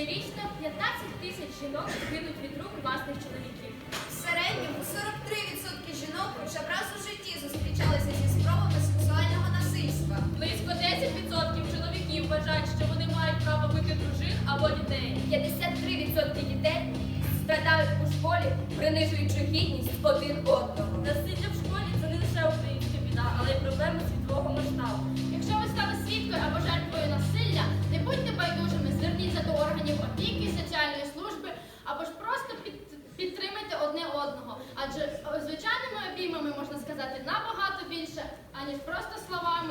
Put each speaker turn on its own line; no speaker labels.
Щорічно 15 тисяч жінок гинуть від рук власних чоловіків.
В середньому 43% жінок хоча б раз у житті зустрічалися зі спробами сексуального насильства.
Близько 10% чоловіків вважають, що вони мають право бити дружин або дітей.
53% дітей страдають у школі, принижуючи гідність один одного.
Насилля в школі це не лише українська біда, але й проблема світового масштабу. Якщо ви стали свідкою або жертвою насилля, не будьте байдужими, зверніться до органів опіки, соціальної служби або ж просто підтримайте одне одного. Адже звичайними обіймами можна сказати набагато більше, аніж просто словами.